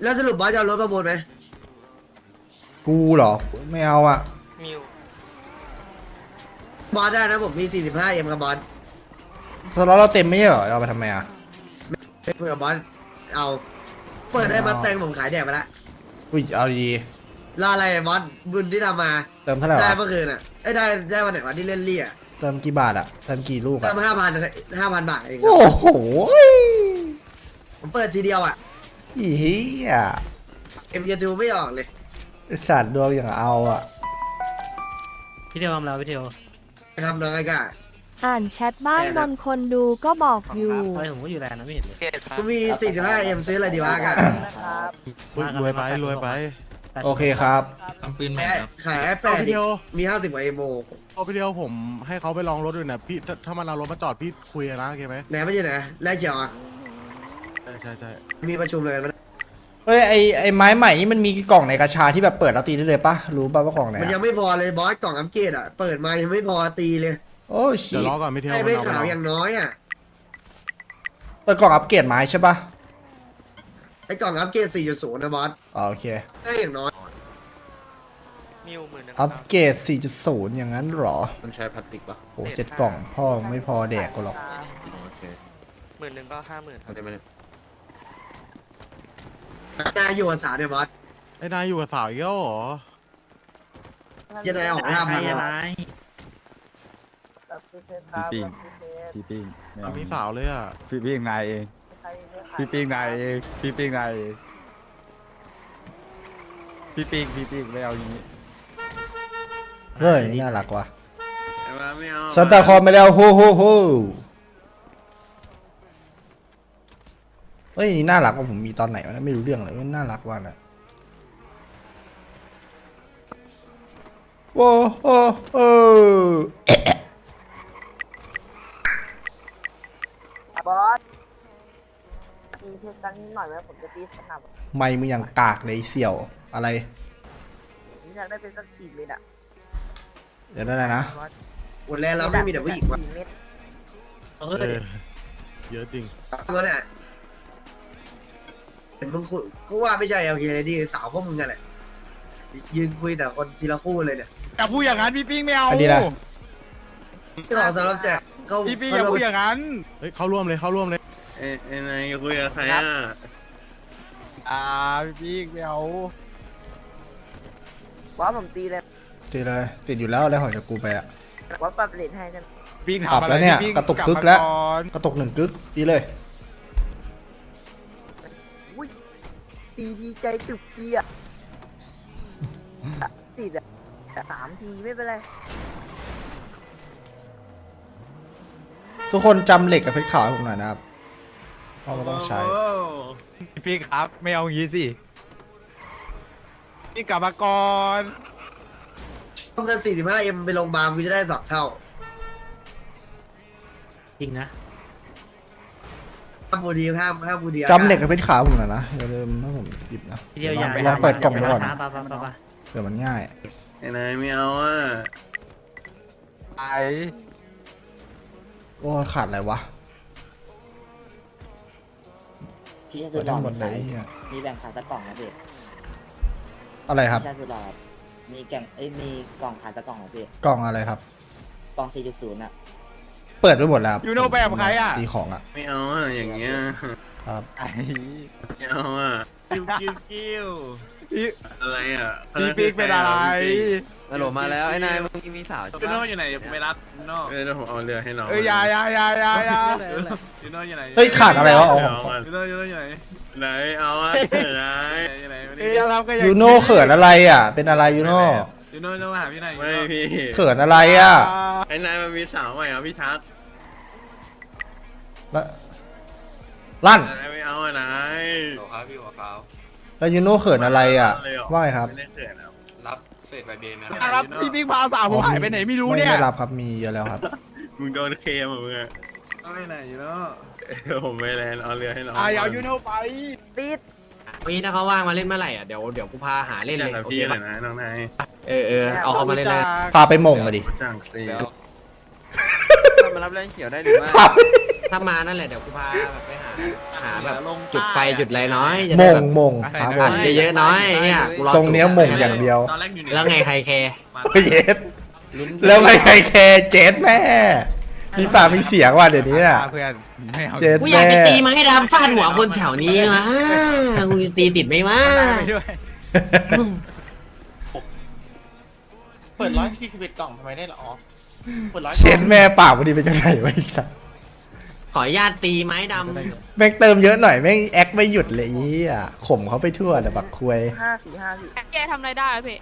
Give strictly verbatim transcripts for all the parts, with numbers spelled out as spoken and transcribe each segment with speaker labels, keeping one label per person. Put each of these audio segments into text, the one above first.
Speaker 1: แล้วสรุปบอสจะเอารถประมูลไหม
Speaker 2: กูเหรอไม่เอาอะ
Speaker 3: มิว
Speaker 1: บอสได้นะผมมี สี่สิบห้าเอ็ม กับบอส
Speaker 2: สล็อตเราเต็มไม่ใช่เหรอเอาไปทำไมอะ
Speaker 1: เพื่อบอสเอาเปิดได้มาแต่งผมขายแดกไปละ
Speaker 2: อุ้ยเอาดี
Speaker 1: รออะไรบอสบุญที่ทำมา
Speaker 2: ๆเติมเท่าไหร่
Speaker 1: ได้
Speaker 2: วะ
Speaker 1: เมื่อคืนอ่ะไอ้ได้ได้วันไหนวันที่เล่นเลี่ย
Speaker 2: เติมกี่บาทอะเติมกี่ลูก
Speaker 1: เติ
Speaker 2: อะ
Speaker 1: มห้าพันห้าพันบาทเอง
Speaker 2: โอ้โห
Speaker 1: ผมเปิดทีเดียวอ่ะ
Speaker 2: อีเหี้ย
Speaker 1: เอ็มจะดูไม่ออกเลย
Speaker 2: ไอ้สัตว์ดวงอย่างเอาอะ
Speaker 4: พี่เดียวทำแล้วพี่เดียว
Speaker 1: ทำน้องไอ้กา
Speaker 5: อ่านแชทบ้านนนคนดูก็บอกอยู่
Speaker 4: อะไรผมก็อยู่แลนด์นะไม่เห็นเลย
Speaker 3: เกตครับ
Speaker 1: กูมี สี่สิบห้าเอ็ม ซื้ออะไรดีวะกา
Speaker 6: รวยไปรวยไป
Speaker 2: โอเคครับ
Speaker 7: ทำปืนใหม่ครับ
Speaker 1: ขายไอ้แป
Speaker 6: เอา
Speaker 1: ด
Speaker 6: พี่เดียว
Speaker 1: มีห้าสิบกว่าเอ็มโอ
Speaker 6: เอาพี่เดียวผมให้เขาไปลองรถด้วยนะพี่ถ้าถ้ามันเอารถมาจอดพี่คุยกันนะโอเคไหม
Speaker 1: ไหนไม่ใช่ไหนแรกเขียวอ่ะ
Speaker 6: ใช่ใช่ใช่
Speaker 1: มีประชุมเลยมัน
Speaker 2: เฮ้ยไอไอไม้ใหม่นี่มันมีกล่องในกระชาที่แบบเปิดแล้วตีได้เลยปะรู้ป่ะว่ากล่องไหน
Speaker 1: มันยั
Speaker 2: อะ
Speaker 1: งไม่พอเลยบอสกล่องอัปเกรดอ่ะเปิดมายังไม่พอตีเลย
Speaker 2: โอ้ชิ
Speaker 6: เดี๋ยวรอก่อนพี่เดียว
Speaker 1: ไอ้
Speaker 6: มัน
Speaker 1: ไม่
Speaker 6: เอาไป
Speaker 1: ขาว
Speaker 6: ลอง
Speaker 1: อย่างน้อยอ่ะ
Speaker 2: เปิดกล่องอัปเกรดไม้ใช่ปะ
Speaker 1: ไอ้กล่องอัปเกรด สี่จุดศูนย์ นะบอส
Speaker 2: อ๋อโอเค
Speaker 1: ได้อย่างน้อย
Speaker 3: มิวหมื่นหนึ่ง
Speaker 2: อัปเกรด สี่จุดศูนย์ อย่างนั้นเหรอ
Speaker 7: มันใช้พลาสติกปะ
Speaker 2: โหเจ็ดกล่องพ่อไม่พอแดกกูหรอก
Speaker 7: โอเค
Speaker 3: หมื่นหนึ่งก็ห้าหมื่นครับ
Speaker 7: ทำได้ไหมเนี่ย
Speaker 1: นายอยู่กับสาวเนี่ยบอส
Speaker 6: ไอ้นายอยู่กับสาวอีกแล้วเหรอ
Speaker 1: จะได้ออกห้าพัน
Speaker 4: อะไร
Speaker 8: พี่ปิ้งพี่ปิ้งไม่
Speaker 6: มั
Speaker 8: เอา
Speaker 6: นมีสาวเลยอ่ะ
Speaker 8: พี่ปิ้งนายเองพี่ปิ้งนายเองพี่ปิ้งนายเองพี่ปิ้งพี่ปิ้งไม่เอาอย่างนี้
Speaker 2: เฮ้ยน่ารักว่ะ
Speaker 7: ไม่เอา
Speaker 2: ซันตาคลอสไม่แล้วโฮโฮโฮเฮ้ยนี่น่ารักว่าผมมีตอนไหนวะเนี่ยไม่รู้เรื่องเลยน่ารักว่าน่ะโว้โอ้โอ้
Speaker 9: บอสตีเพชรกันนิดหน่อยไหมผมจะตีสนับ
Speaker 2: ไม่มึงอย่างกากเลยไอ้เสี่ยวอะไร
Speaker 9: ผมอยากได้เป็นสักสี่เม็ดอะ
Speaker 2: เดี๋ยวได้แล้วนะ
Speaker 9: บอส
Speaker 1: วันแรกเราไม่มีแต่ผู้หญิงว่ะ
Speaker 9: สี่เม็ด
Speaker 4: เอ
Speaker 6: เอ
Speaker 4: อ
Speaker 6: อเยอะจริง
Speaker 1: ตัวเนี่ยเห็นมึงคุยกูว่าไม่ใช่โอเคเลยดิสาวพวกมึงกันแหละยืนคุยแต่คนทีละคู่เลยเนี่ย
Speaker 8: อย่าพูดอย่างนั้นพี่ปิ้งไม่เอา
Speaker 2: อันนี้นะ
Speaker 1: ที่ของสำหรับแจกเขา
Speaker 8: พี่ปิ้งอย่าพูดอย่างนั้น
Speaker 6: เฮ้ยเข้าร่วมเลยเข้าร่วมเลย
Speaker 7: เอ้ยเอ้ยนายคุยกับใครอ่ะ
Speaker 8: อ่าพี่ปิ้งไม่เอา
Speaker 9: บอสผมตีเลย
Speaker 2: ติดเลยติดอยู่แล้วแล้วหอยจากกูไปอะ
Speaker 9: บอสปรับเลทให้กัน
Speaker 8: ปิ้ง
Speaker 2: ปรับ
Speaker 8: ทำอะไร
Speaker 2: แล้วเนี่ย
Speaker 8: พี่ปิ้ง
Speaker 2: กระตุก
Speaker 8: ลับ
Speaker 2: กึก
Speaker 8: มา
Speaker 2: แล้ว
Speaker 8: ก่อน
Speaker 2: กระตุกหนึ่งกึกดีเลย
Speaker 9: อุ้ยตีดีใจตึกทีอะติดอะสามทีไม่เป็นไร
Speaker 2: ทุกคนจำเหล็กกับเพชรขาวให้ผมหน่อยนะครับเพราะมันต้องใช้
Speaker 8: พี่ปิ้งครับไม่เอาอย่างนี้สิพี่กลับมาก่อน
Speaker 1: ต้องเงิน สี่สิบห้าเอ็ม ไปโรงพยาบาลกูจะได้สองเท่า
Speaker 4: จริงนะ
Speaker 1: ห้ามบูดีห้ามห้ามบูดี
Speaker 2: จำเหล็กกับเพชรขาวผมหน่อยนะอย่าลืมให้ผมหยิบนะ
Speaker 4: พี่เดียวอย่า
Speaker 2: ลองเปิดกล่องดูก่อน
Speaker 4: ช้าปะปะปะปะ
Speaker 2: เผื่อมันง่าย
Speaker 7: ไอ้นายไม่เอาอ่ะ
Speaker 8: ไอ
Speaker 2: โอ้ขาดอะไรวะ
Speaker 10: พี่ชา
Speaker 2: เปิ
Speaker 10: สุ
Speaker 2: ด
Speaker 10: ดห
Speaker 2: ได้
Speaker 10: ล่อ
Speaker 2: หมดเลย
Speaker 10: มี
Speaker 2: เหี้ย
Speaker 10: มีแบ่งขายตะกล่องนะพี่
Speaker 2: อะไรครับ
Speaker 10: พี่ชาสุดหล่อมีแก่งเอ้ยมีกล่องขายตะกล่องนะพี่
Speaker 2: กล่องอะไรครับ
Speaker 10: กล่อง สี่จุดศูนย์ อ่ะ
Speaker 2: เปิดไปหมดแล้วครับ
Speaker 8: ยูโนแบบใครอ่ะ
Speaker 2: ตีของอ่ะ
Speaker 7: ไม่เอาอ่ะอย่างเงี้ย
Speaker 2: ครับ
Speaker 8: ไอ
Speaker 7: ไม่เอาอ่ะ
Speaker 8: กิ้วกิ้วกิ้วพี่
Speaker 7: อะไรอ่ะ
Speaker 8: พี่ปิ้งเป็นอะไร
Speaker 7: ฮัลโหลมาแล้วไอ้นายมึงมีสาวใช่
Speaker 8: ยูโน
Speaker 7: ปะ
Speaker 8: อยู่ไหนไม่รับยูโน
Speaker 7: เออเดี๋ยวผมเอาเรือให้น้อง
Speaker 8: เอ้ยอยาอยาอยาอยาอยายูโนอยู่ไหน
Speaker 2: เฮ้ยขาดอะไรวะเอา
Speaker 7: เอาอ่ะ
Speaker 8: ยูโนยูโนอยู่ไหน
Speaker 7: ไหนเอาอ่ะไหน
Speaker 8: อยู่ไหนเอ้ยอย่าทำกันอย่าง
Speaker 2: ยูโน่เขินอะไรอ่ะ เป็นอะไรยูโน่
Speaker 8: ยูโนยูโนหาพี่ไหน
Speaker 7: ไม่พี่
Speaker 2: เขินอะไรอ่ะ
Speaker 7: ไอ้นายมันมีสาวใหม่เหรอพี่ทัก
Speaker 2: แล้วลั่น
Speaker 7: นายไม่เอาอ่ะนาย
Speaker 3: ครับพี่หัวขาว
Speaker 2: แล้วยูโน่เขินอะไรอ่ะ
Speaker 7: เลยเหรอ
Speaker 2: ว่าไงครับ
Speaker 7: ไม่ได้เขินอ่ะ
Speaker 3: รับเศษใบเบนไหม
Speaker 8: ครับพี่ปิ้งพาสาวผมหายไปไหนไม่รู้เนี่ย
Speaker 2: ไม่ได้รับครับมีเยอะแล้วครับ
Speaker 7: มึงโดนเคมอ่ะมึงอ่ะ
Speaker 8: ไปไหนยูโน
Speaker 7: เออผมไม่แลนเอาเรือให้น้อง
Speaker 8: อ่ะอย่ายูโนไป
Speaker 9: ติด
Speaker 3: วันนี้ถ้าเขาว่างมาเล่นเมื่อไหร่อ่ะเดี๋ยวเดี๋ยวกูพาหาเล่น
Speaker 7: จั
Speaker 3: เล
Speaker 7: ง
Speaker 3: ย
Speaker 7: กับ
Speaker 3: โอ
Speaker 7: พี่
Speaker 3: เค
Speaker 7: เล
Speaker 3: ปะ
Speaker 7: ยนะน้องนาย
Speaker 3: เออเออเอาเขามาเล่นเลย
Speaker 2: พาไปหม่งมาดิ
Speaker 7: จังสิ
Speaker 3: เดี๋ยว
Speaker 7: มารับแรงเขียวได้หรือไม่
Speaker 2: ครับ
Speaker 3: ถ้ามานั่นแหละเดี๋ยวกูพาแบบไปหาหาแบบจุดไฟจุดอะไรน้อยจะ
Speaker 2: ม
Speaker 3: ได้
Speaker 2: ง
Speaker 3: แบบ
Speaker 2: มงครับผ
Speaker 3: อั
Speaker 2: ม
Speaker 3: ดเยอะๆน้อยเนี่ยกูอ
Speaker 2: ทรงเนี้ยมงอย่างเดียว
Speaker 7: ตอนแรกอยู่ใน
Speaker 3: แล้วไงใครแคร์
Speaker 2: โอ้ยเย็ดแล้วไม่ใครแคร์เจ็ดแม่มีปากมีเสียงว่ะเดี๋ยวนี้น่ะ
Speaker 8: เพื่อนไม่เอา
Speaker 2: เจ็ด
Speaker 3: กูอยาก
Speaker 2: แม่
Speaker 3: จะตีมาให้ดำฟาดหัวคนแถวนี้วะกูจะตีติดไหมวะ
Speaker 8: ไปด้วย
Speaker 3: เปิดร้อยสี่สิบเอ็ดกล่องทำไมได้หรอเปิดร้อย
Speaker 2: เจ็ดแม่ปากมันดีเป็นจังไงวะไอ้สัส
Speaker 3: ขออนุญาตตีไม้ด
Speaker 2: แม่งเติมเยอะหน่อยแม่งแอคไม่หยุดเลยอีอ่ะข่มเขาไปทั่วแต่บักควย
Speaker 9: ห้าสี่ห้าสี่
Speaker 5: แกทำอะไรได้พี่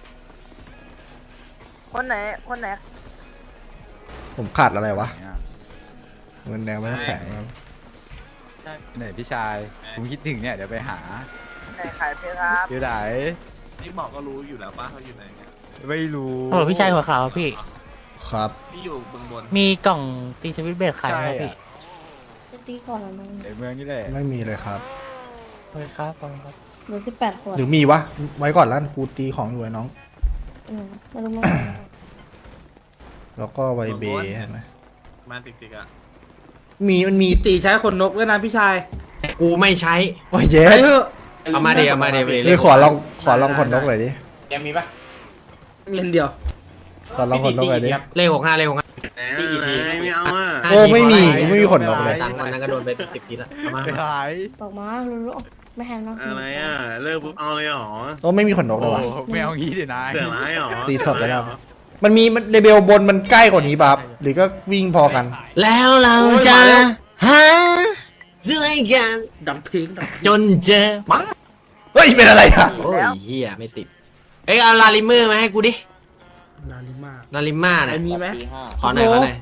Speaker 9: คนไหนคนไหน
Speaker 2: ผมขาดอะไรวะเงินแดงไม่ต้องแสงมั้ง
Speaker 8: ไหนพี่ชายผมคิดถึงเนี่ยเดี๋ยวไปหา
Speaker 9: ไหนขายเพชรครับ
Speaker 8: อยู่ไหน
Speaker 7: นี่บอกก็รู้อยู่แล้วป้าเขาอยู่ไหนเนี่ย
Speaker 8: ไม่รู้
Speaker 4: โอ้พี่ชายหัวขาวพี่
Speaker 2: ครับ
Speaker 7: พี่อยู่เบื้องบน
Speaker 4: มีกล่องตีสวิตช์เบรกขายไหมครับพี่
Speaker 9: จะตีก่อนแล้วมั้ง
Speaker 8: ในเมืองนี่แหละ
Speaker 2: ไม่มีเลยครับ
Speaker 4: โอเคครับขอบคุณครับ
Speaker 9: เหลือสิบแปดขวด
Speaker 2: หรือมีวะไว้ก่อนล้านกูตีของอยู่ไอ้น้อง
Speaker 9: อืมไม่รู้มั้ง
Speaker 2: แล้วก็ไวเบย์ใช่ไหม
Speaker 7: มาติกๆอ่ะ
Speaker 2: มีมันมี
Speaker 1: ตีใช้ขนนกด้วยนะพี่ชาย
Speaker 3: ำกูไม่ใช้
Speaker 2: โอ้ยเย็ด
Speaker 3: เอามาเดียวมาเดียว
Speaker 2: เฮ้ยขอลองขอลองขนนกหน่อยดิ
Speaker 1: เงินเดียว
Speaker 2: ขอลองขนนกหน่อยดิ
Speaker 3: เลขหกห้าเลขหกห้า
Speaker 7: แต่อะไรไม่เอาอ่ะ
Speaker 2: โอ้ไม่มีไม่มีขนนกเลย
Speaker 3: ตังค์วันนั้นก็โดนไปสิบทีละเอามา
Speaker 8: ไปหาย
Speaker 9: บอกมารู้ๆไม่แฮนด์เนาะ
Speaker 7: อะไรอ่ะเลิกปุ๊บเอาเลยเหรอ
Speaker 2: โอ้ไม่มีขนนกเล
Speaker 8: โอ้
Speaker 2: ยวะ
Speaker 8: ไม่เอางี้ดินาย
Speaker 7: เสือร้ายเหรอ
Speaker 2: ตีสดเลยครับ มันมีมันเลเบลบนมันใกล้กว่านี้ป่ะครับหรือก็วิ่งพอกัน
Speaker 3: แล้วเราจะหาด้วยกัน
Speaker 1: ดับพิงดับ
Speaker 3: จนเจอมา
Speaker 2: เฮ้ยเป็นอะไรอ่ะ
Speaker 3: โอ้ยเฮียไม่ติด เอ้ยเอาลาลิเมอร์มาให้กูดิ
Speaker 1: นาลิมา
Speaker 3: ลาลิม่าเนี่ย
Speaker 1: มีไหม
Speaker 10: ตีห้า
Speaker 3: ขอหน่อยขอหน่อย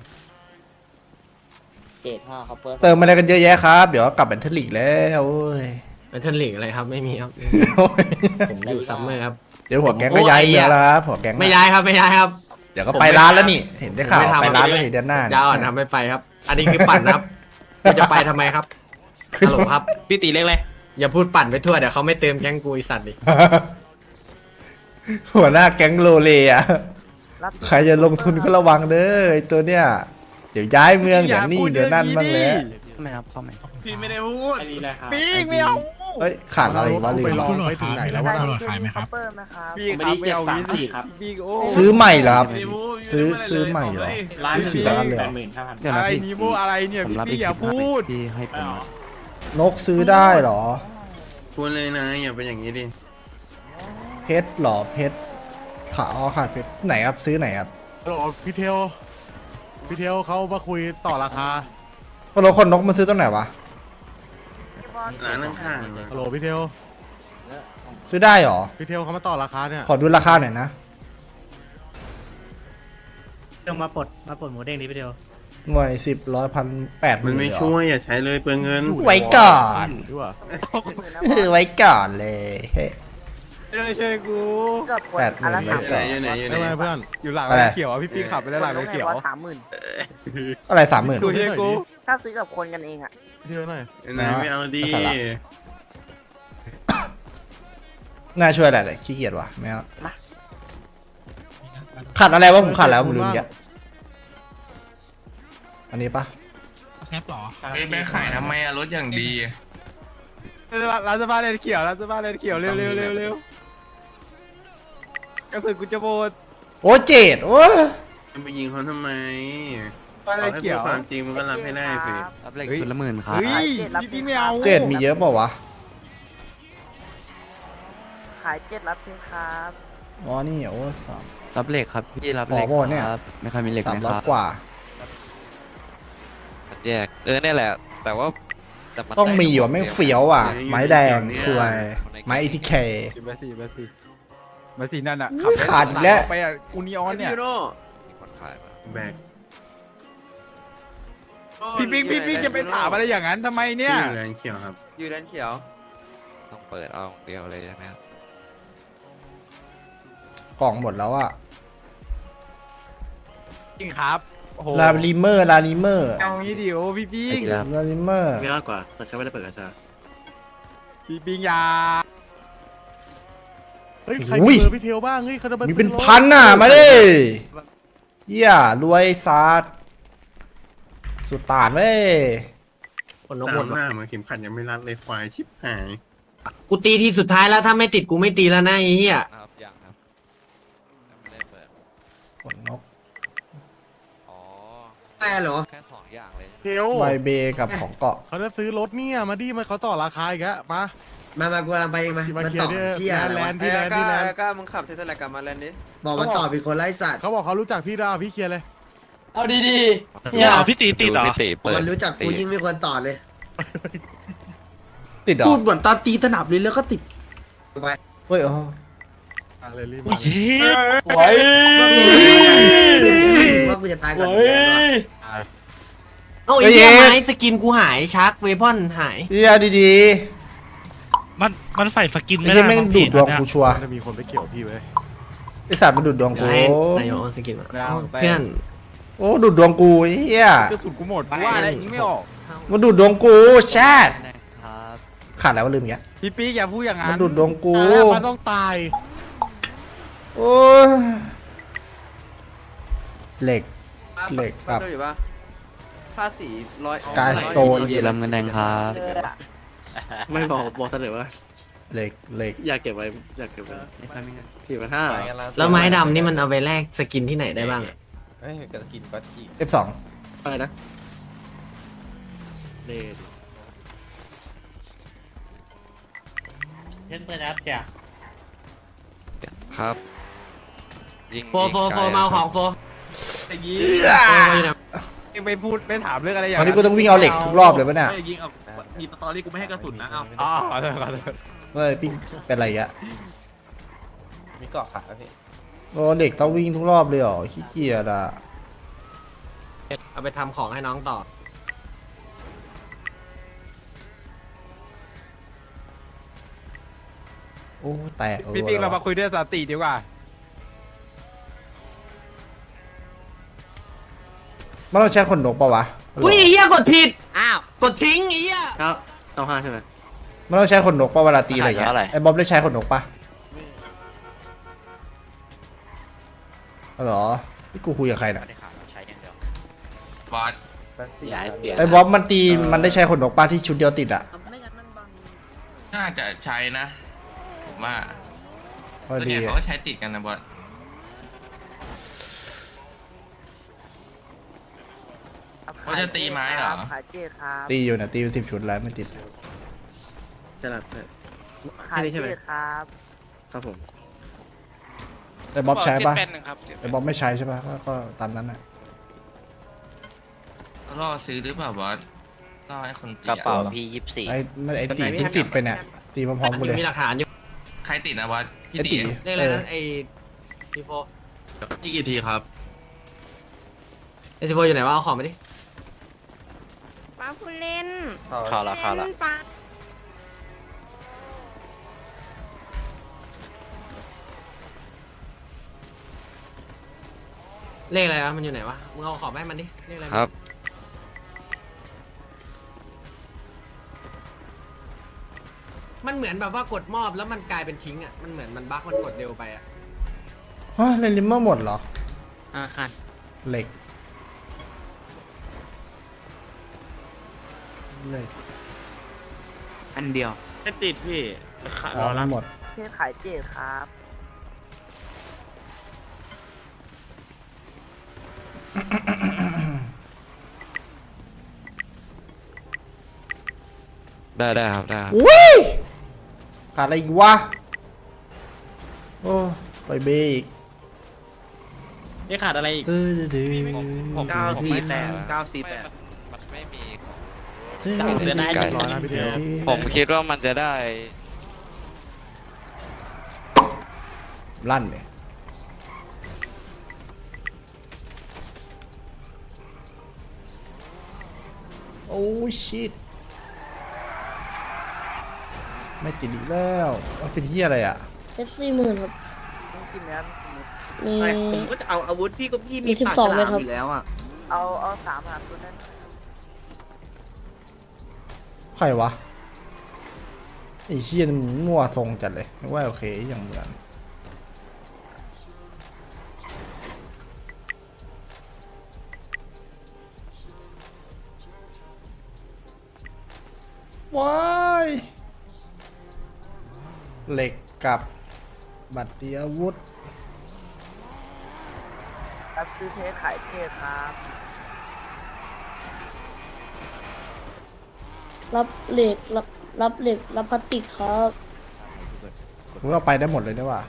Speaker 10: เจ็ดห้าเขาเปิด
Speaker 2: เติมมาอะไรกันเยอะแยะครับ เดี๋ยวกลับแบนเทอร์ลีกแล้วโอ้ย
Speaker 3: เป็นเทนลิกอะไรครับไม่มีครับ
Speaker 2: โอ้ย
Speaker 3: ผมอยู่ซัมเมอร์ครับ
Speaker 2: เดี๋ยวหัวแก๊งก็ย้ายเมืองแล้วครับหัวแก๊ง
Speaker 3: ไม่ย้ายครับไม่ย้ายครับ
Speaker 2: เดี๋ยวก็ไปร้านแล้วนี่เห็นได้ข่าว
Speaker 3: ผมไม่ทำ
Speaker 2: ไปร้านแล้วนี่เดือนหน้า
Speaker 3: ยาวอ่อนทำไม่ไปครับ อันนี้คือปั่นนะครับกูจะไปทำไมครับฮัลโหลครับ
Speaker 4: พี่ตีเล็กเลย
Speaker 3: อย่าพูดปั่นไปทั่วเดี๋ยวเขาไม่เติมแก๊งกูไอสัตว์ดิ
Speaker 2: หัวหน้าแก๊งโลเลอะ
Speaker 9: รับ
Speaker 2: ใครจะลงทุนก็ระวังเด้อไอตัวเนี้ยเดี๋ยวย้ายเมืองเดี๋ยวนี่เดี๋ยวนั่นบ้างแล้ว
Speaker 4: ไม่ครับเข้าไหม
Speaker 7: พี่ไม่ได้พูด
Speaker 8: ปิ้งไม่เอา
Speaker 2: เฮ้ยขาดอะไรวะลื
Speaker 6: ไป
Speaker 2: ม
Speaker 6: ลองไปถึงไหนแล้ววะ
Speaker 9: ขายไหมครับเปิดไหมครับ
Speaker 8: พี่ครับไม่เอางี้สิปิ้งโอ้
Speaker 2: ซื้อใหม่เหรอครับ
Speaker 7: ไม่ได้พูด
Speaker 2: ซื้อซื้อใหม่เหรอ ซื้อสี่ล้านเลยเหรอ
Speaker 8: อะไรนีโมอะไรเนี่ยพี่ปิ้งอย่าพูด
Speaker 2: นกซื้อได้เหรอ
Speaker 7: พูดเลยนะอย่าเป็นอย่างนี้ดิ
Speaker 2: เพชรเหรอเพชรขาอ๋อขาดเพชรไหนครับซื้อไหนครับ
Speaker 6: ฮัลโหลพี่เทลพี่เทลเขามาคุยต่อราคา
Speaker 2: ก็รถคนนกมาซื้อตรงไหนวะ
Speaker 7: ร้านข้างๆเลย
Speaker 6: ฮัลโหลพี่เทล
Speaker 2: ซื้อได้เหรอ
Speaker 6: พี่เทลเขามาต่อราคาเนี่ย
Speaker 2: ขอดูราคาหน่อยนะ
Speaker 4: เดี๋ยวมาปลดมาปลดหมูเด้งนี้ไปเดียว
Speaker 2: หน่วยสิบร้อยพันแปดห
Speaker 7: มัน
Speaker 2: น
Speaker 7: ไม่
Speaker 2: เหรอ
Speaker 7: ช่วยอย่าใช้เลยเปลืองเงิน
Speaker 2: ไว้ก่อน
Speaker 6: ดีกว่า
Speaker 2: ไว้ก่อนเลยเฮ้ย
Speaker 8: ไม่ต้องช่วยกู
Speaker 9: เกือบขวด
Speaker 2: แปดหมื่น
Speaker 9: อันละ
Speaker 2: ไว้
Speaker 9: สาม
Speaker 7: อยู่ไหนอยู่ไหนอยู่ไหน
Speaker 6: ได้ไหมเพื่อน
Speaker 8: อยู่หลัง
Speaker 2: อะไร
Speaker 8: รถเขียวอ่ะพี่ปิ้งขับไปแล้วหลังรถเขียว
Speaker 9: สามหมื่น
Speaker 2: อะไรสามหมื่น
Speaker 8: ดูช่วยกู
Speaker 9: ถ้าซื้อกับคนกันเองอ่ะ
Speaker 6: พี่เทลหน่อย
Speaker 7: ไหนไม่เอาดี
Speaker 2: ภาษาละ น่าช่วยอะไรเลยขี้เกียจว่ะไม่เอาขาดอะไรวะผมขาดแล้วผมลืมเยอะอันนี้ปะ
Speaker 3: ไปขายทำไมอะรถอย่างดี
Speaker 8: ร้านเสื้อผ้าเลนเขียวร้านเสื้อผ้าเลนเขียวเร็วเร็วเร็วเร็วกระสุนกูจะหมด
Speaker 2: โอ้เจ็ดโอ้
Speaker 7: จะไปยิงเขาทำไม
Speaker 8: ผ้าเล
Speaker 7: เอา
Speaker 8: น
Speaker 7: ให้
Speaker 8: เขี
Speaker 7: พู
Speaker 8: ย
Speaker 7: ด
Speaker 8: ว
Speaker 7: ความจริงมันก็รับให้ได้สิ
Speaker 10: รับเลขชุดละหมื่นครับ
Speaker 8: เฮ้ยพี่ปิ้งไม่เอา
Speaker 2: เจ็ดมีเยอะเปล่าวะ
Speaker 9: ขายเจ็ดรับทิ้งครับ
Speaker 2: อ๋อนี่โอ้สาม
Speaker 10: รับเลขครับพี่รับ
Speaker 2: อ๋
Speaker 10: เล
Speaker 2: อ
Speaker 10: ข
Speaker 2: โบเนี่ย
Speaker 10: ครับไม่เคยมีเลข
Speaker 2: สา
Speaker 10: ไห
Speaker 2: ม
Speaker 10: ม
Speaker 2: ร้
Speaker 10: ค
Speaker 2: อย
Speaker 10: รับ
Speaker 2: กว่า
Speaker 10: แยกเออเนี่ยแหละ แต่ว่าแต่น
Speaker 2: ต้องมีอยู่อะแม่งเฟี้ยวอ่ะ ไม้แดงคืออะไรไม้อีทีเค
Speaker 8: เบอร์สี่เบอร์สี่เบอร์สี่นั่นอ่ะ
Speaker 2: อุ๊ยขาดอีกแล้ว
Speaker 8: ไปอ่ะกูนีออนเนี่ย
Speaker 10: มีคนขายมา
Speaker 7: แบก
Speaker 8: พี่ปิ้งพี่ปิ้งจะไปถามอะไรอย่างนั้นทำไมเนี่ย
Speaker 7: ที่อยู่แลนเขียวครับ
Speaker 10: อยู่ด้านเขียวต้องเปิดเอาเดียวเลยใช่ไหมครับ
Speaker 2: กล่องหมดแล้วอ่ะ
Speaker 8: จริงครับโอ้โห
Speaker 2: ลาลิเมอร์ลาลิเมอร์
Speaker 8: เอางี้ดิโอพี่ปิ้ง
Speaker 2: ลาลิเมอร์
Speaker 4: ไม่รอดกว่าแต่ฉันไม่ได้เปิดกระชา
Speaker 8: พี่ปิ้งอยา
Speaker 6: เฮ้ยใครมีเบอร์พี่เทลบ้างเฮ้ยเขาจะา
Speaker 2: มีเป็น
Speaker 6: ซื้อรถ
Speaker 2: พันน่ะมาดิเหี้ยรวยซาดสุดตานเว้ย
Speaker 3: คนนก
Speaker 7: ตา
Speaker 3: หม
Speaker 7: ม
Speaker 3: ด
Speaker 7: หน้าเหมือนเข็มขัดยังไม่รัดเลยควายชิบหาย
Speaker 3: กูตีทีสุดท้ายแล้วถ้าไม่ติดกูไม่ตีแล้วนะไอ้เหี้ย
Speaker 4: ครับยังครับยังไม่ได้เปิด
Speaker 2: ขนนก
Speaker 4: อ๋อ
Speaker 1: แม่เหรอ
Speaker 4: แค่สองอย่างเลย
Speaker 6: เทล
Speaker 2: ไวเบกับของเกาะ
Speaker 6: เขาจะซื้อรถเนี่ยมาดิมันเขาต่อราคาอีกแล้วมา
Speaker 1: มามากูกำลังไปเองมา
Speaker 6: ที่มา
Speaker 1: มัน
Speaker 6: เคลีย
Speaker 1: ต่อ
Speaker 6: ร์เนี่ย
Speaker 1: เชี่ยอะไร
Speaker 6: แล
Speaker 1: วะ
Speaker 6: นด์ที่แลนด์ที่แลนด์
Speaker 8: ก้ามึงขับเทสลากลับมาแลนด์นี้
Speaker 1: บอกมันต่อเป็นคนไร้สัตว์
Speaker 6: เขาบอกเขารู้จักพี่ดาวพี่เคลียร์เลย
Speaker 10: เอาดี
Speaker 4: เนี่ยพี่ตีตีต่อ
Speaker 1: มันรู้จักกูยิ่งไม่ควรต่อเลย
Speaker 2: ติดเหรอ
Speaker 3: พูดเหมือนตอนตีสนับเลยแล้วก็ติด
Speaker 1: ไป
Speaker 2: เฮ้ยอ๋อ
Speaker 6: อะไรรีบมาเลย
Speaker 10: ๆไว้
Speaker 1: ว่ากูจะตายก่อน
Speaker 10: ไว้
Speaker 3: เอ้าไอ้เหี้ยไม้สกินกูหายชักเวพอนหาย
Speaker 2: เฮียดี
Speaker 4: มันมันใส่สกิน
Speaker 2: ๆไอ้
Speaker 4: ไม่
Speaker 2: เฮี
Speaker 4: ได้
Speaker 2: ยแม่งดูดดวงกูชัวร์
Speaker 6: มันจะมีคนไปเกี่ยวพี่ไว้ย
Speaker 2: ไอสัตว์มันดูดดวง
Speaker 3: เดี๋ย
Speaker 2: กู
Speaker 3: วให้นายกเอาสกินมา
Speaker 8: ไม่เอา
Speaker 3: เพื่อน
Speaker 2: โอ้ดูดดวงกูไอ้เฮีย
Speaker 8: กระสุนกูหมดกูว่าแล้วยิงไม่ออก
Speaker 2: มันดูดดวงกูแชทขาดแล้วว่าลืมอีกแล้ว
Speaker 8: พี่ปี๊กอย่าพูดอย่างนั้
Speaker 2: มัน
Speaker 8: น
Speaker 2: ดูดดวงกู
Speaker 6: ตายแล้วมันต้องตาย
Speaker 2: โอ้ยเหล็ก เหล็กครับ
Speaker 8: อยู่ปะผ้าสีร้อย
Speaker 2: Sky Stone
Speaker 10: เยลำเงินแดงครับ
Speaker 4: ไม่บอกบอกเสนอว่า
Speaker 2: เหล็กเหล็ก
Speaker 4: อยากเก็บไว้อยากเก็บไว้สี่พันห้า
Speaker 3: แล้วไม้ดำนี่มันเอาไปแลกสกินที่ไหนได้บ้างอะ
Speaker 8: เฮ้ยกระกินก็จี
Speaker 2: เอฟสอง
Speaker 4: อะไรนะเดดเล่นเปิดแอปจ้ะ
Speaker 10: ครับยิง
Speaker 3: โฟโฟโฟมาเอาของโฟ
Speaker 8: อย่างงี้
Speaker 3: โฟมาอยู่ไหน
Speaker 8: ยังไปพูดไม่ถามเรื่องอะไรอย่าง
Speaker 2: วันนี้กูต้องวิ่งเอาเหล็กทุกรอบเลยปะเนี่ย
Speaker 8: ยิงเอามีสตอรี่กูไม่ให้กระสุนนะเอาอ๋อขอโทษขอโทษ
Speaker 2: เฮ้ยปิ้งเป็นไรอะ
Speaker 8: มีเกาะขาพี่
Speaker 2: โอ้เด็กต้องวิ่งทุกรอบเลยเหรอขี้เกียจอะ
Speaker 3: เอาไปทำของให้น้องต่อ
Speaker 2: โอ้แตก
Speaker 8: พี่ปี๊กเรามาคุยด้วยสติดีกว่า
Speaker 2: มันต้องใช้ขนนกปะวะ
Speaker 3: อุ้ยไอ้เหี้ยกดผิด อ้าว กดทิ้งไอ้เหี้ย
Speaker 4: เก้าเก้าห้าใช่ไหม
Speaker 2: มันต้องใช้ขนนกปะเวลาตีอะไรอย่างเงี้ยไอ้บ๊อบได้ใช้ขนนกปะอ๋อเหรอนี่กูคุยกับใครน่ะ
Speaker 10: บอสย้ายเปลี่ยน
Speaker 2: ไอ้บ๊อบมันตีมันได้ใช้ขนนกปะที่ชุดเดียวติดอะ
Speaker 11: น่าจะใช้นะ ผมว่า
Speaker 2: พอ
Speaker 11: ส่วน
Speaker 2: ดี
Speaker 11: ใหญ่
Speaker 2: อะ
Speaker 11: เขาก็ใช้ติดกันนะบอส เขาจะตีไม้เหรอ
Speaker 9: ขายเจ๊ครับ
Speaker 2: ตีอยู่นะตีเป็นสิบชุดแล้วไม่ติด
Speaker 4: จะหลับใช่
Speaker 9: ขายเจ๊ครับ
Speaker 4: ครับผม
Speaker 2: ไอ้บ๊อบใช้ปะไอ้บ๊อบไม่ใช้ใช่ปะก็ก็ตามนั้นน่ะ
Speaker 11: ล่อซื้อหรือเปล่าบอสล่อให้คนตี
Speaker 10: กระเป๋า
Speaker 11: อะ
Speaker 10: พี่ยี่สิบสี่
Speaker 2: ไอ้ไม่ไอ้ตีเพิ่งติดไปเนี่ยตีพร้อมๆกูเลย
Speaker 3: มีหลักฐานอยู่
Speaker 11: ใครติดนะบอสพี่
Speaker 2: ไอ้
Speaker 11: ตี
Speaker 2: ตี
Speaker 3: เรียกอะไรนะไอ้ทีโฟ
Speaker 7: อีกกี่ทีครับ
Speaker 3: ไอ้ทีโฟอยู่ไหนวะเอาของไปดิ
Speaker 9: ป้าผู้เล่น
Speaker 10: เข้าละเข้าละ
Speaker 9: ป้า
Speaker 3: เลขอะไรวะมันอยู่ไหนวะ มึงเอาของไปให้มันดิ เลขอะไร
Speaker 10: ครับ
Speaker 3: มันเหมือนแบบว่ากดมอบแล้วมันกลายเป็นทิ้งอ่ะ มันเหมือนมันบั๊กมันกดเร็วไปอ่ะ
Speaker 2: ฮะเล่นลิมเมอร์หมดเหรอ
Speaker 3: อ่าค่ะ
Speaker 2: เหล็กเหล็ก
Speaker 4: อันเดียวไม่ติดพี่ขา
Speaker 2: เอาหมด
Speaker 9: เจ๊ขายเจ๊ครับ
Speaker 10: ได้ได้ครับได้ครับ
Speaker 2: อุ้ยขาดอะไรอีกวะโอ้ไปเบรก
Speaker 4: นี่ขาดอะไรอีก
Speaker 2: ตื้อดื้อ
Speaker 4: เก้าสี่แปดเก้าสี่แปด
Speaker 10: มันไม่มี
Speaker 2: ตื้อ
Speaker 4: ผมจะได้
Speaker 2: ดื้อ
Speaker 4: หนึ่งร้อยนะพี่เดียว
Speaker 10: ผมคิดว่ามันจะได้
Speaker 2: ลั่นเนี่ยโอ้ชิตไม่ติดอีกแล้วว่าเป็นที่อะไรอ่ะ
Speaker 5: เอฟสี่หมื่นครับ
Speaker 9: ต้องกินแล้ว
Speaker 5: มี
Speaker 4: ผมก็จะเอาอาวุธพี่ก็พี่
Speaker 5: มีสิบสองไหมครับ
Speaker 4: อยู่แล้วอ่ะ
Speaker 9: เอาเอาสามหาตัวนั้น
Speaker 2: ใครวะไอ้เชี่ยมันมั่วทรงจัดเลยนึกว่าโอเคอย่างเหมือนว้ายเหล็กกับบัตรตีอาวุธ
Speaker 9: รับซื้อเพชรขายเพชรครับ
Speaker 5: รับเหล็กรับรับเหล็กรับพลาสติกครับ
Speaker 2: มึงเอาไปได้หมดเลยนะว่ะ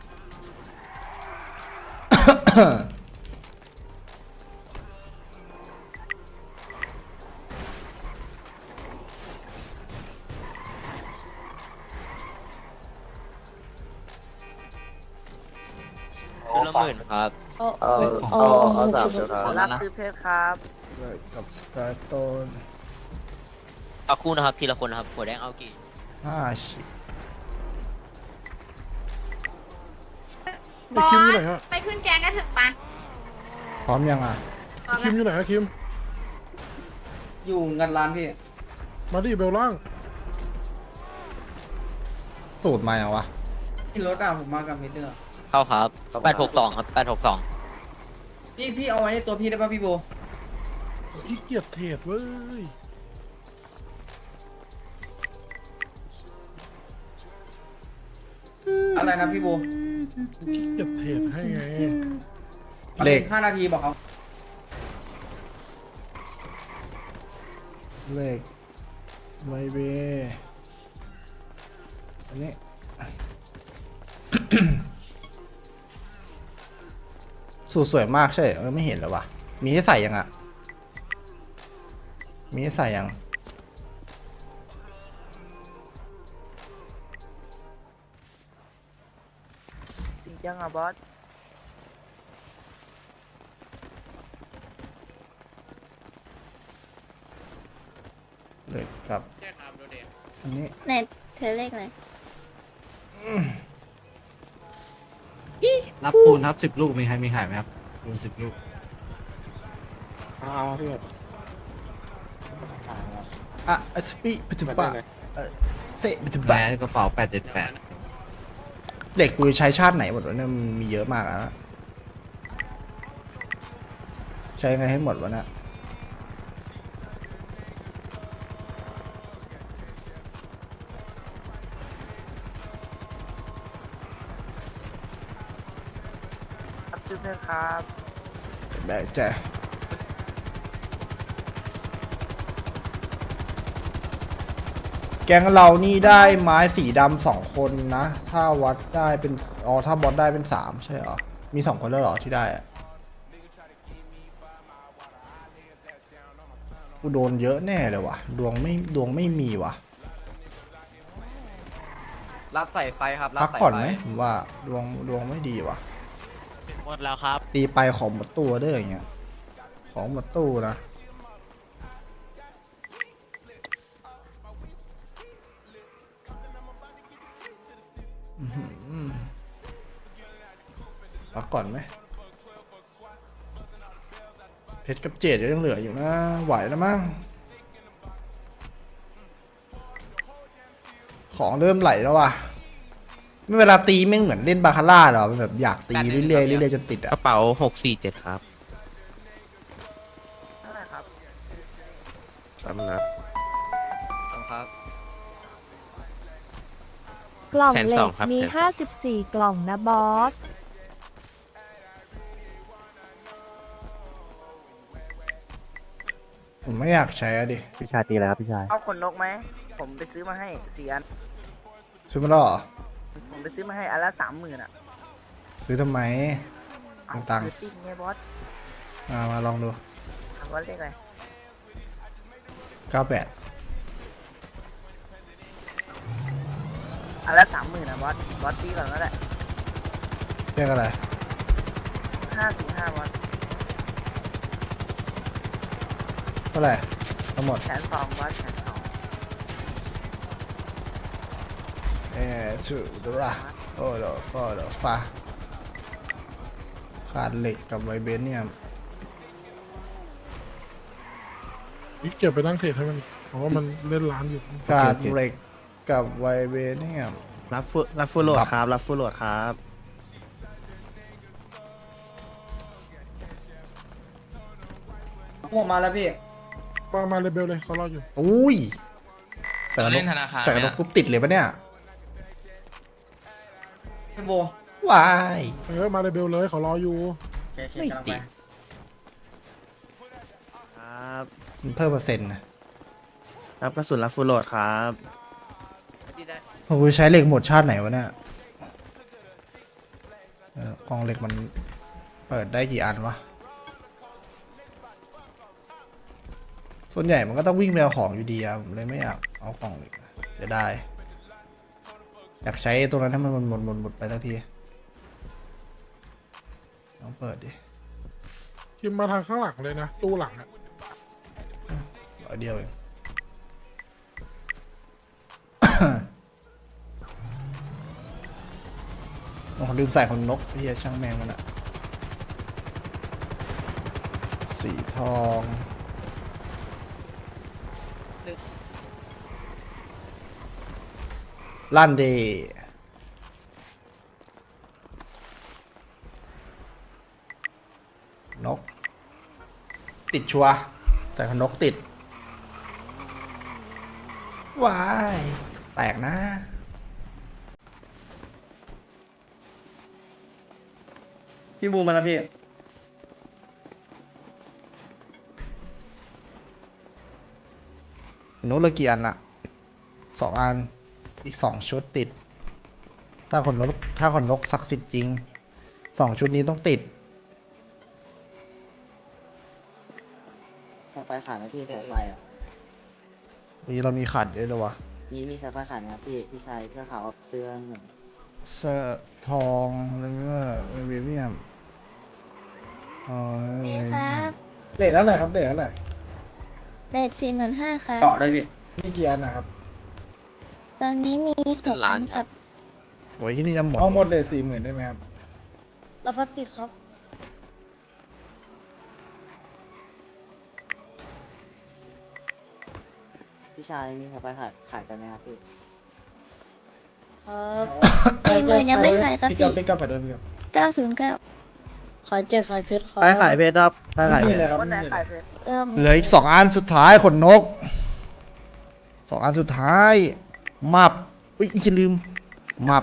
Speaker 10: ละหมื่นครับ
Speaker 5: เอาเอาเอาเอาสามชุดครับ
Speaker 9: รับซื้อเพชรครับ
Speaker 2: เหล็กกับสกายโตน
Speaker 10: เอาคู่นะครับทีละคนนะครับหัวแดงเอากี่
Speaker 2: ห้าสิบ
Speaker 6: ไอคิมอยู่ไหนฮะ
Speaker 9: ไปขึ้นแกงกันเถอะปะ
Speaker 2: พร้อมยังอ่ะ
Speaker 6: ไอคิมอยู่ไหนฮะคิม
Speaker 3: อยู่กันร้านพี่
Speaker 6: มาดิเบลล่าง
Speaker 2: สูตรมาอย่างวะ
Speaker 3: ที่รถอ่ะผมมากับมิเตอร์
Speaker 10: เข้าครับแปดหกสองครับแปดหกสอง
Speaker 3: พี่พี่เอาไว้ในตัวพี่ได้ป่ะพี่โบ
Speaker 6: ขี้เกียจเทรดเว้ย
Speaker 3: อะไรนะพี่โบ
Speaker 6: ขี้เกียจเทรดให้ไง
Speaker 2: เหล็ก
Speaker 3: ห้านาทีบอกเขา
Speaker 2: เหล็กไวเบอันนี้ สูตรสวยมากใช่เหรอเออไม่เห็นแล้ววะมีให้ใส่ยังอ่ะ มีให้ใส่ยัง
Speaker 9: จริงจังอ่ะบอส
Speaker 2: เหล็กกับอันนี้
Speaker 5: ไหนเธอเลขไหน
Speaker 3: รับปูนครับสิบลูกมีใครมีขายไหมครับปูนสิบลูก
Speaker 6: เอาพี่
Speaker 2: อ่ะสปีปัจจุบันเออเซปัจจุบั
Speaker 3: แล้
Speaker 2: น
Speaker 3: วกระเป๋าแปดเจ็ดแปด
Speaker 2: เหล็กกูใช้ชาติไหนหมดวะเนี่ยมันมีเยอะมากอะนะใช้ไงให้หมดวะเนะ
Speaker 9: รับซื้อเพชรครับ
Speaker 2: ได้จ้ะแกงเรานี่ได้ไม้สีดำสองคนนะ ถ้าวัดได้เป็นอ๋อถ้าบอสได้เป็นสามใช่เหรอ มีสองคนแล้วเหรอที่ได้อะกูโดนเยอะแน่เลยว่ะ ดวงไม่ดวงไม่มีว่ะ
Speaker 3: รับใส่ไฟครับรับ
Speaker 2: พัก
Speaker 3: ใส่
Speaker 2: ก่อน
Speaker 3: ไฟ
Speaker 2: ไหมผมว่าดวงดวงไม่ดีว่ะ
Speaker 10: หมดแล้วครับ
Speaker 2: ตีไปของหมดตัวเด้ออย่างเงี้ย ของหมดตู้นะอื้อหือพักก่อนไหมเพชรกับเจดยังเหลืออยู่นะ ไหวแล้วมั้งของเริ่มไหลแล้วว่ะไม่เวลาตีไม่เหมือนเล่นบาคาร่าหรอมันแบบอยากตีเรื่อยๆเรื่อยๆจนติด
Speaker 4: ก
Speaker 2: อ่ะ
Speaker 4: ระเป๋าหกสี่เจ็ดครับ
Speaker 9: เท่าไหร่ครับ
Speaker 4: สามนัด
Speaker 3: ครับ
Speaker 5: กล่อง
Speaker 4: แสน
Speaker 5: เหล็
Speaker 4: สอง
Speaker 5: ก
Speaker 4: ครับ
Speaker 5: มี
Speaker 4: แสนสอง
Speaker 5: ห้าสิบสี่กล่องนะบอส
Speaker 2: ผมไม่อยากใช้อะดิ
Speaker 10: พี่ชายตีอะไรครับพี่ชาย
Speaker 9: เอาขนนกไหม ผมไปซื้อมาให้สี่อัน
Speaker 2: ซื้อมาแล้วเหรอ
Speaker 9: ผมไปซื้อมาให้อันละสามหมื่นอ่ะ
Speaker 2: ซื้อทำไม
Speaker 9: เอา
Speaker 2: ตังค์
Speaker 9: ซื้อติ๊กไงบอส
Speaker 2: มามาลองดู
Speaker 9: ถามบอสเลขอะไร
Speaker 2: เก้าแปด
Speaker 9: อันละสามหมื่นอ่ะบอส บอสตีก่อนก็ได้
Speaker 2: เรียกอะไร
Speaker 9: ห้าสี่ห้าบอส
Speaker 2: เท่าไหร่ทั้งหมด
Speaker 9: แสนสองบอสแสนสอง
Speaker 2: เอ่อชูดระโอ้โหฟอดฟ้าขาดเหล็กกับไวเบนเนี่ยม
Speaker 6: พี่เก็บไปนั่งเทรดให้มันเพราะว่ามันเล่นร้านอยู่
Speaker 2: ขาดเหล็กกับไวเบนเนี่ยม
Speaker 4: รับฟูรับฟูโหลดครับ รับฟูโหลดครับ
Speaker 3: ผมมาแล้วพี่
Speaker 6: มามาเลยเบลเลยเขารออยู่
Speaker 2: อุ้ยใส่กระ
Speaker 11: เรา
Speaker 2: ด
Speaker 11: เล่
Speaker 2: ก
Speaker 11: นธนาคาร
Speaker 2: ใส่กระด
Speaker 11: ไหม
Speaker 2: ก
Speaker 11: อะ
Speaker 2: ปุ๊บติดเลยปะเนี่ย
Speaker 10: พี่โบ
Speaker 2: วาย
Speaker 6: เออมาเลยเบลเลยเขารออยู่
Speaker 2: ไม่ติด
Speaker 8: ครับ
Speaker 2: มันเพิ่มเปอร์เซ็นต์นะ
Speaker 8: รับกระสุนรับฟูลโหลดครับ
Speaker 2: โอ้ยใช้เหล็กหมดชาติไหนวะเนี่ยเออกองเหล็กมันเปิดได้กี่อันวะส่วนใหญ่มันก็ต้องวิ่งไปเอาของอยู่ดีอะผมเลยไม่อยากเอากล่องเหล็กอะเสียดายอยากใช้ตรงนั้นให้มันหมดหมดหมดหมดไปสักทีลองเปิดดิ
Speaker 6: คิมมาทางข้างหลังเลยนะ ตู้หลังอะ
Speaker 2: ร้อยเดียวเอง โอ้โหลืมใส่ขนนกเฮียช่างแมงมันอะสีทองลั่นเดนก ติดชัวร์ใส่ขนนกติดวายแตกนะ
Speaker 10: พี่บูมมาแล้วพี่
Speaker 2: นกเหลือกี่อันอะสองอัน อีกสองชุดติด ถ้าขนนกถ้าขนนกศักดิ์สิทธิ์จริง สองชุดนี้ต้องติด
Speaker 10: สายไฟขาดไหมพี่สายไฟอ่ะ
Speaker 2: นี่เรามีขาดเยอะเลยวะ
Speaker 10: มีมีสายไฟขาดไหมครับพี่พี่ชายเสื้อขาวเสื้อเหมือน
Speaker 2: เสื้อทองอะไรเงี้ยเวเวียมอ๋อ
Speaker 5: นี่ครับ
Speaker 6: เลทอะไรครับเลทอะไร
Speaker 5: เลทสี่หมื่นห้าครับ
Speaker 10: เกาะได้พี่
Speaker 6: มีกี่อันนะครับ
Speaker 5: ตอนนี้มีหกอันครับ
Speaker 2: โอ้ยที่นี่จะหมด
Speaker 6: เอาหมดเลทสี่หมื่นได้ไหมครับ
Speaker 5: เราพัดติดครับ
Speaker 10: พี่ชายมีสายไฟขาดขายกันไหมครับพี่
Speaker 5: ครับสี่หมื่นยังไม่ขายครับ
Speaker 6: พี่
Speaker 5: พี่
Speaker 6: กับพี่กับไปด้วยพี่กับ
Speaker 5: เก้าศูนย์เก้าขายเจ็ดขายเพชรครับ
Speaker 8: ไปขายเพชรครับไปขายเพ
Speaker 6: นี่
Speaker 8: ช
Speaker 6: เล
Speaker 8: ร
Speaker 6: ยครับ
Speaker 9: วันไหน
Speaker 6: นี่เล
Speaker 9: ขาย
Speaker 6: ย
Speaker 9: เพชร
Speaker 5: เริ่ม
Speaker 2: เหลืออีกสองอันสุดท้ายขนนกสองอันสุดท้ายมับอุ้ยอีกจะลืมมับ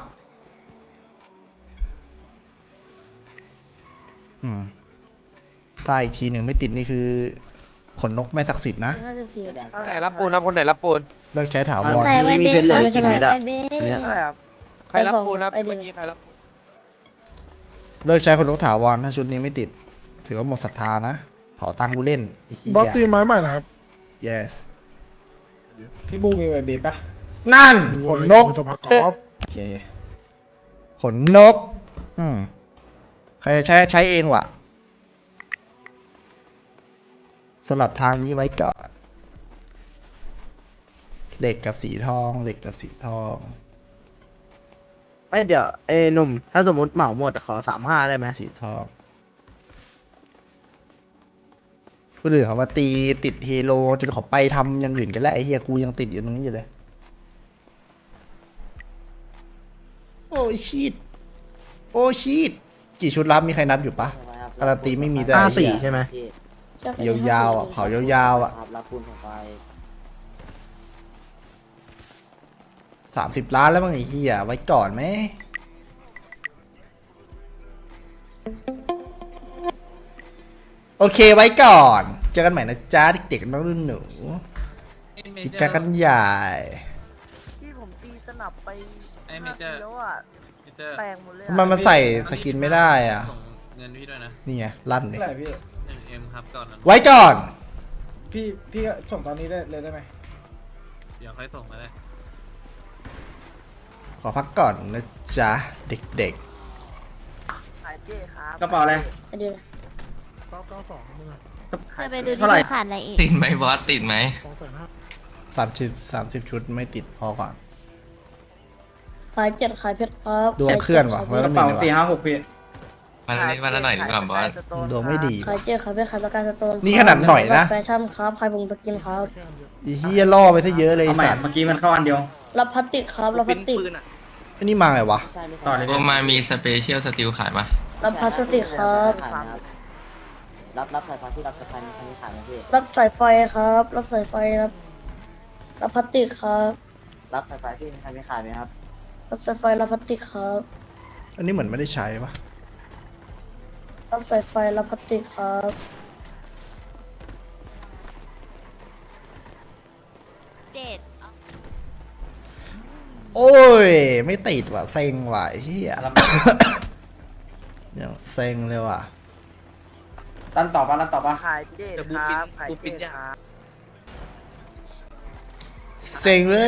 Speaker 2: อืมตายอีกทีหนึ่งไม่ติดนี่คือขนนกไม่ศักดิ์สิทธิ์นะ
Speaker 5: ห้าสิบสี่
Speaker 8: ไหนรับปูนรับคนไหนรับปูน
Speaker 2: เลิกใช้ถาวร
Speaker 5: ใส่ไว้เบส
Speaker 8: มี
Speaker 5: ใส่
Speaker 8: เพชรเหลือกี่เม็ดอะ
Speaker 5: ไว้เบส
Speaker 8: เนี่ย
Speaker 9: ใช่ครับ
Speaker 8: ใครรับปูนครับเมื่อกี้ใครรับ
Speaker 2: เลิกใช้ขนนกถาวรถ้าชุดนี้ไม่ติด ถือว่าหมดศรัทธานะเผาตังค์กูเล่นไอ้เหี้ย
Speaker 6: บอสตีไม้ใหม่นะครับ
Speaker 2: yes
Speaker 6: พี่บูมีไวเบสปะ
Speaker 2: นั่นขนนก
Speaker 6: จะพักกอล์ฟ
Speaker 2: โอเคขนนก อืมใครใช้ใช้เองวะสำหรับทางนี้ไว้ก่อนเหล็กกับสีทองเหล็กกับสีทอง
Speaker 8: ไม่เดี๋ยวเอ้หนุ่มถ้าสมมติเหมาหมดขอสามห้าได้ไหม
Speaker 2: สีทองคนอื่นเขามาตีติดเฮโลจนเขาไปทำอย่างอื่นกันแล้วไอ้เฮียกูยังติดอยู่ตรงนี้อยู่เลย โอ้ชีตโอ้ชีตกี่ชุดรับมีใครนับอยู่ปะ การันตีไม่มีด้วย
Speaker 8: ห้า
Speaker 2: ไอ้
Speaker 8: สี่
Speaker 2: เหี้ย
Speaker 8: ใช่ไหม
Speaker 2: ยาวๆอ่ะเผายาวๆอ่ะ
Speaker 10: ครับรับปูนสายไฟ
Speaker 2: สามสิบล้านแล้วมั้งไอ้เหี้ยไว้ก่อนไหมโอเคไว้ก่อน เจอกันใหม่นะจ๊ะเด็กๆน้องรุ่นหนูกิจการกันใหญ่
Speaker 9: ที่ผมตีสนับไปห้าทีแล้วอ่ะแตกหมดเลยอะ
Speaker 2: ทำไมมันใส่สกินไม่ได้อ่ะ
Speaker 7: เงินพี่ด้วยนะ
Speaker 2: นี่ไงลั่นเลย
Speaker 6: เท่าไหร่พี่
Speaker 7: เอ็มครับก่อนนะ
Speaker 2: ไว้ก่อน
Speaker 6: พี่พี่ส่งตอนนี้ได้เลยได้ไหม
Speaker 7: เดี๋ยวค่อยส่งมาได้
Speaker 2: ขอพักก่อนนะจ๊ะเด็ก
Speaker 9: ขายเจ้ครับ
Speaker 10: กระเป๋าอะไร
Speaker 5: ไปดู
Speaker 6: เก้าเก้าสองมึงอะ
Speaker 5: เคยไปดู
Speaker 10: เท่าไหร่
Speaker 5: ที่ขาดอะไรอีก
Speaker 11: ติดไหมบอสติดไหม
Speaker 6: สองแสนห้า
Speaker 2: ๆสามสิบสามสิบชุดไม่ติดพอก่อน
Speaker 5: ขายเจ็ดขายเพชรครับ
Speaker 2: ดวงเคลื่อนว่ะไว้
Speaker 10: ก
Speaker 2: ก็
Speaker 10: ระ
Speaker 2: มี
Speaker 10: เป๋า
Speaker 2: เลยวะ
Speaker 10: สี่ห้าหกพี่
Speaker 11: วันละนิดวันละหน่อยดีกว่าบอส
Speaker 2: ดวงไม่ดี
Speaker 5: ขายเจ็ดขายเพชรขายสกายสโตน
Speaker 2: นี่ขนาดหน่อยนะ
Speaker 5: แฟชั่นครับขายผงสกินครับ
Speaker 2: ไอ้เหี้ยล่อไปซะเยอะเลยไอ้
Speaker 10: เอาใหม่
Speaker 2: สัตว์
Speaker 10: เมื่อกี้มันเข้าอันเดียว
Speaker 5: รับพลาสติกครับรับพลาสติก
Speaker 2: ไอ้นี่มาไงวะ
Speaker 10: ใช่ไม่ต่อเลย
Speaker 11: โอมามีสเปเชียลสติลขายปะ
Speaker 5: รับพลาสติกครับ
Speaker 10: ขายไหมครับรับรับสายไฟที่รับสายไฟมีใครขายไหมพี่
Speaker 5: รับสายไฟครับ รับสายไฟครับ
Speaker 9: รับพลาสติกครับ
Speaker 10: รับสายไฟที่ใครไม่ขายไหมครับ
Speaker 9: รับสายไฟรับพลาสติกครับ
Speaker 2: อันนี้เหมือนไม่ได้ใช้ปะ
Speaker 9: รับสายไฟรับพลาสติกครับ
Speaker 5: เด็ด
Speaker 2: โอ้ย ไม่ติดว่ะเซ็งว่ะไอ้เฮีย ยังเซ็งเลยว่ะ
Speaker 10: รันต่อปะรันต่อปะ
Speaker 9: ขายเด็ดครับขายเด็ดครับ
Speaker 2: เซ็งเลย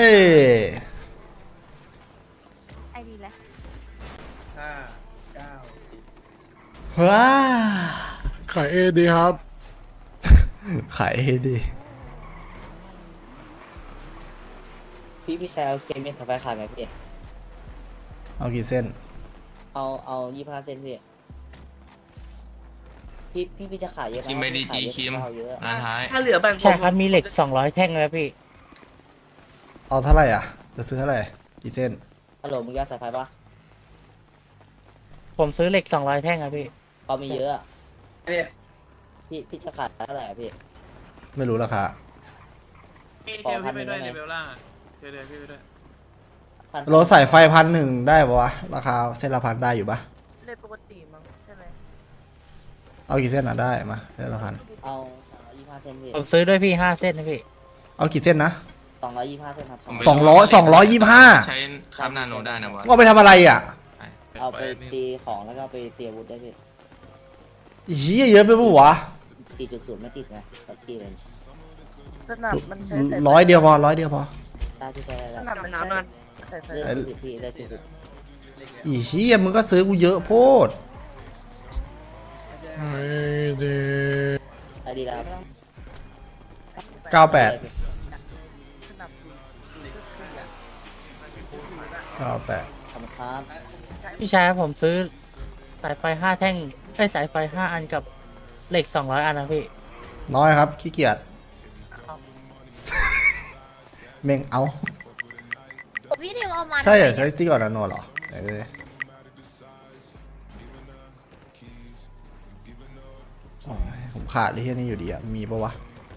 Speaker 5: ไอดีแล้ว
Speaker 1: ห้าเก้า
Speaker 2: ว้า
Speaker 6: ขายเอดีครับ
Speaker 2: ขายให้ดี
Speaker 10: พี่พี่ชายเอาเกมเมนสายไฟขายไหมพี่
Speaker 2: เอากี่เส้น
Speaker 10: เอาเอายี่สิบห้าเซนพี่พี่พี่พี่จะขายเยอะไหม
Speaker 11: คิมไปดี
Speaker 10: ขาย
Speaker 11: จี
Speaker 10: เยอะ
Speaker 11: คิม
Speaker 10: เอาเยอะ
Speaker 11: ร้านท้าย
Speaker 10: ถ้าเหลือแบ่ง
Speaker 8: ใช่ครับมีเหล็กสองร้อยแท่งแล้วพี่
Speaker 2: เอาเท่าไหร่อ่ะ จะซื้อเท่าไหร่ กี่เส้น
Speaker 10: ฮัลโหลมึงจะเอาสายไฟปะ
Speaker 8: ผมซื้อเหล็กสองร้อยแท่งครับพี่
Speaker 10: เอามีเยอะอะพี่พี่จะขายเท่าไหร่อะพี่
Speaker 2: ไม่รู้ราคา
Speaker 7: พี่เทลพี่ไปด้วยในเบลล่างอะเทลเทลพี่ไปด้วย
Speaker 10: พัน
Speaker 2: รถสายไฟพันหนึ่งได้ปะวะ ราคาเส้นละพันได้อยู่ปะ
Speaker 9: เลยปกติมั้งใช่ไหม
Speaker 2: เอากี่เส้นอ่ะได้มาเส้นละพัน
Speaker 10: เอาสองร้อยยี่สิบห้าเซนพี่
Speaker 8: ผมซื้อด้วยพี่ห้าเส้นนะพี่
Speaker 2: เอากี่เส้นนะ
Speaker 10: สองร้อยยี่สิบห้าเซนครับ
Speaker 2: สองร้อยสองร้อยยี่สิบห้า
Speaker 11: ใช้คราฟนาโนได้นะวะ
Speaker 2: ว่าไปทำอะไรอ่ะ
Speaker 10: เอาไปตีของแล้วก็ไปตีอาวุธได้พี่
Speaker 2: อีเหี้ยเยอะไปปะวะ
Speaker 10: สี่จุดศูนย์ไม่ติดไงตัดตีเลย
Speaker 9: สนับมันใช้สายไฟ
Speaker 2: ร้อยเดียวพอร้อยเดียวพอ
Speaker 10: ได้ที่ใช้ได้
Speaker 9: ส
Speaker 10: แล้ว
Speaker 9: นับมันใช้สายไฟ
Speaker 10: เลือกสิบพี่ได้สิบ
Speaker 2: อีเหี้ยมึงก็ซื้อกูเยอะโพด
Speaker 6: ขายเอดี
Speaker 10: ได้ดีแล้ว
Speaker 2: เก้าแปด
Speaker 9: สนับสีสีก็คืออะ
Speaker 2: เก้าแปด
Speaker 10: ขอบคุณครับ
Speaker 8: พี่ชายครับผมซื้อสายไฟห้าแท่งไอ้ยสายไฟห้าอันกับเหล็กสองร้อยอันนะพี่
Speaker 2: น้อยครับขี้เกียจเมงเอา
Speaker 5: พี่เทวเอามา
Speaker 2: ใช่เหรอใช้ที่ก่อนนะโนเหรอเออโอ้ยผมขาดไอ้เหี้ยนี่อยู่ดีอ่ะ มีปะวะ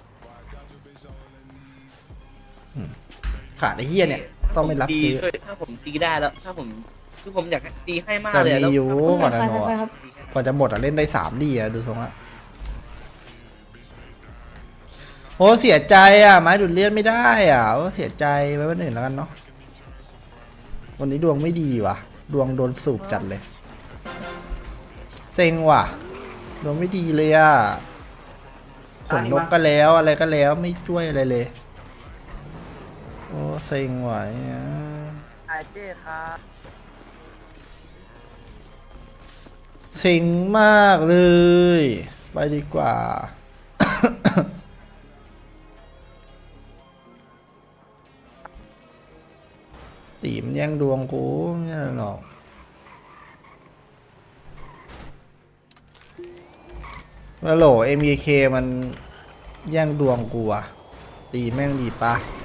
Speaker 2: อืมขาดไอ้เหี้ยเนี่ย ต้องไม่รับซื้อ
Speaker 10: ถ้าผมตีได้แล้ว ถ้าผมคือผมอยากตีให้มาก
Speaker 2: แต่
Speaker 10: เลย
Speaker 2: มี
Speaker 10: แล้ว
Speaker 2: อยู่ก่อนนะโนอะกว่าจะหมดอ่ะเล่นได้สามดีอ่ะ ดูทรงอ่ะ โอ้เสียใจอ่ะ ไม้ดูดเลือดไม่ได้อ่ะโอ้เสียใจไว้วันอื่นแล้วกันเนาะวันนี้ดวงไม่ดีว่ะ ดวงโดนสูบจัดเลย เซ็งว่ะ ดวงไม่ดีเลยอ่ะขนนกก็แล้วอะไรก็แล้วไม่ช่วยอะไรเลย โอ้เซ็งว่ะเนี่ย
Speaker 9: ขายเด็ดครับ
Speaker 2: เซ็งมากเลย ไปดีกว่า ตีมนแย่งดวงกูไม่ใช่หรอกฮัลโหล เอ็ม เค มันแย่งดวงกูอะตีแม่งดีปะ